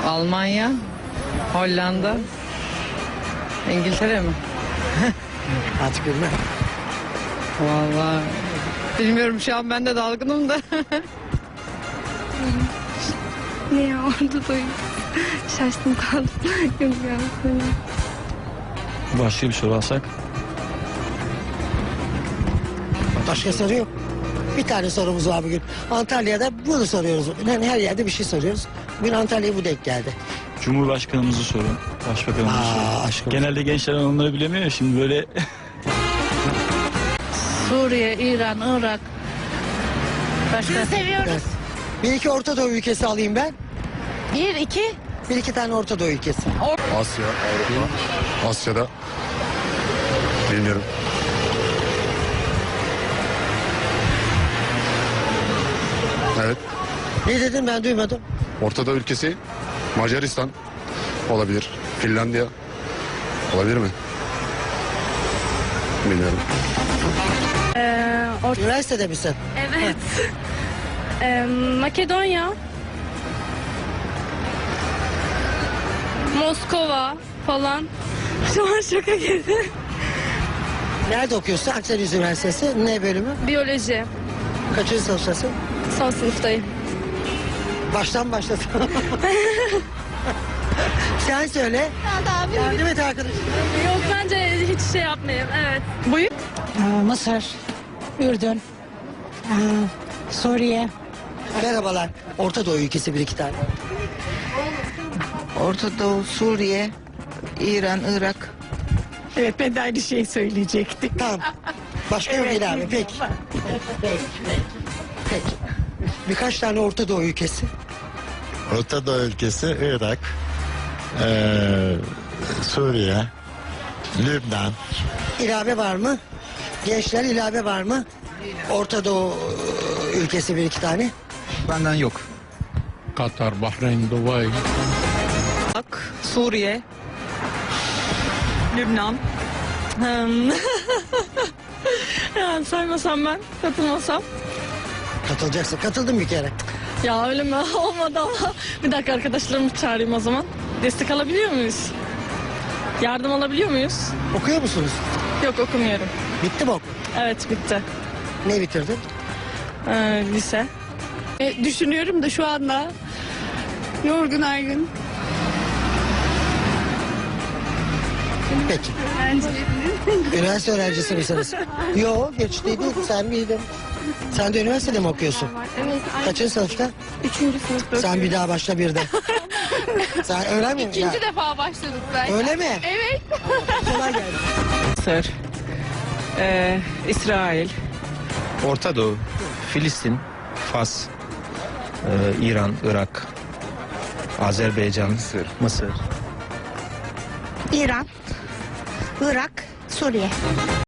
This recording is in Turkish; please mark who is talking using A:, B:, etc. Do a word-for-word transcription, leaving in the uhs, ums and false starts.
A: Almanya, Hollanda, İngiltere mi?
B: Artık bilmem.
A: Vallahi bilmiyorum, şu an ben de dalgınım da.
C: Ne ya, orada da şaştım kaldım. Yok ya.
D: Başka bir soru alsak.
B: Başka soru yok. Bir tane sorumuz var bugün. Antalya'da bunu soruyoruz. Yani her yerde bir şey soruyoruz. Bugün Antalya'ya bu denk geldi.
D: Cumhurbaşkanımızı sorun. Başbakanımızı
B: Aa,
D: sorun.
B: aşkım.
D: Genelde gençler onları bilemiyor ya, şimdi böyle.
E: Suriye, İran, Irak. Başka?
B: Evet. Bir iki Orta Doğu ülkesi alayım ben.
E: Bir, iki.
B: Bir iki tane Orta Doğu ülkesi.
F: Asya, Avrupa. Asya'da bilmiyorum. Evet.
B: Ne dedin, ben duymadım.
F: Ortada ülkesi Macaristan olabilir. Finlandiya olabilir mi? Bilmiyorum.
B: Üniversitede misin?
C: Evet. Ee, Makedonya. Moskova falan. Şu an şoka girdim.
B: Nerede okuyorsun? Akdeniz Üniversitesi. Ne bölümü?
C: Biyoloji.
B: Kaçıncı sınıftasın?
C: Son sınıftayım.
B: Baştan başlasın. Sen söyle. Yardım et arkadaşım.
C: Yok, bence hiç şey yapmayayım. Evet. Buyur.
G: Mısır, Ürdün, aa, Suriye.
B: Merhabalar. Orta Doğu ülkesi bir iki tane.
H: Orta Doğu, Suriye, İran, Irak.
G: Evet, ben de aynı şeyi söyleyecektim.
B: Tamam. Başka yok değil abi. Peki. Peki. Peki. Birkaç tane Orta Doğu ülkesi.
I: Orta Doğu ülkesi Irak, eee, Suriye, Lübnan.
B: İlave var mı? Gençler, ilave var mı? Orta Doğu e, ülkesi bir iki tane.
D: Benden yok.
J: Katar, Bahreyn, Dubai.
A: Irak, Suriye, Lübnan. Hmm. Ya saymasam ben, katılmasam.
B: Katılacaksın. Katıldım bir kere.
A: Ya öyle mi? Olmadı ama. Bir dakika, arkadaşlarımı çağırayım o zaman. Destek alabiliyor muyuz? Yardım alabiliyor muyuz?
B: Okuyor musunuz?
A: Yok, okumuyorum.
B: Bitti mi okul?
A: Evet, bitti.
B: Ne bitirdin?
A: Ee, lise.
C: E, düşünüyorum da şu anda. Yorgun argın.
B: Peki. Üniversite öğrencisi misiniz? Yok, geçtiydi. Sen miydin? Sen de üniversitede mi okuyorsun?
C: Evet.
B: Kaçıncı sınıfta?
C: Üçüncü sınıfta.
B: Sen bir daha başla birden. Sen öyle mi?
C: İkinci
B: Ya,
C: defa başladık ben.
B: öyle mi?
C: Evet.
B: Kolay gelsin.
A: Mısır, ee, İsrail,
D: Orta Doğu, Filistin, Fas, e, İran, Irak, Azerbaycan, Mısır. Mısır.
G: İran, Irak, Suriye.